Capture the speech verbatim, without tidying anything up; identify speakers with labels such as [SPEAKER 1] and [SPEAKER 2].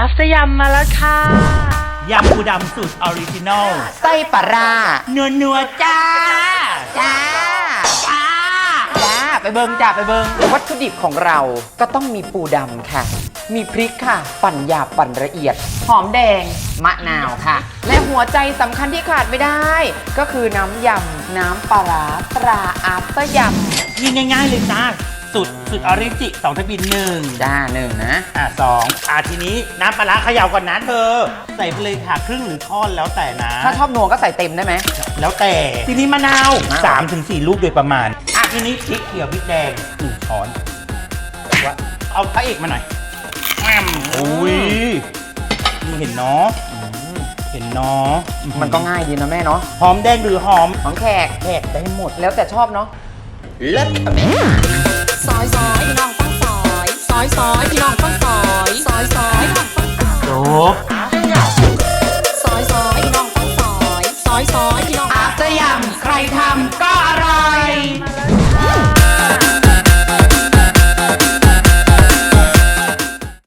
[SPEAKER 1] ฟเตอร์ยำมาแล้วค่ะ
[SPEAKER 2] ยำปูดำสูตรออริจินอล
[SPEAKER 3] ไส้ปลาร้า
[SPEAKER 2] นัวนัวๆจ้า
[SPEAKER 3] จ้า
[SPEAKER 2] จ้า
[SPEAKER 3] จ้าไปเบิงจ้าไปเบิงวัตถุดิบของเราก็ต้องมีปูดำค่ะ มีพริกค่ะ ปั่นหยาบปั่นละเอียด หอมแดง มะนาวค่ะ และหัวใจสำคัญที่ขาดไม่ได้ ก็คือน้ำยำ น้ำปลาร้าตราอาเตอร์ย
[SPEAKER 2] ยิงง่ายๆเลยจ้าสูตรสูตรออริจิสองทะบินหนึ่ง
[SPEAKER 3] ำจ้าหนึ่งนะ
[SPEAKER 2] อ่ะสองอ่ะทีนี้น้ำปลาร้าเขย่าก่อนนะเธอ ใส่ไปเลยค่ะครึ่งหรือท่อนแล้วแต่นะ
[SPEAKER 3] ถ้าชอบนัวก็ใส่เต็มได้ไหม
[SPEAKER 2] แล้วแต่ทีนี้มะนาว
[SPEAKER 3] มะนาว
[SPEAKER 2] สามถึงสี่ลูกโดยประมาณอ่ะทีนี้พริกเขียวพริกแดงหนึ่งช้อนว่าเอาพระเอกมาหน่อยแอมอุ้ยนี่เห็นเนาะเห็นเนาะ
[SPEAKER 3] มันก็ง่ายดีนะแม่เนาะ
[SPEAKER 2] หอมแดงหรือหอม
[SPEAKER 3] หอมแขก
[SPEAKER 2] แขกได้หมด
[SPEAKER 3] แล้วแต่ชอบเนาะเลิศค่ะแม่
[SPEAKER 4] ซอยซอยพี่น้องฟังซอยซอยซอยพี่น้องฟังซอยซอยซอยพี่น้องฟังซอย
[SPEAKER 2] จบ
[SPEAKER 4] ซอยซอยพี่น้องฟังซอยซอยซอยพี่น้อง
[SPEAKER 3] อาเตอร์ยำใครทำก็อร่อย
[SPEAKER 1] มาแล้ว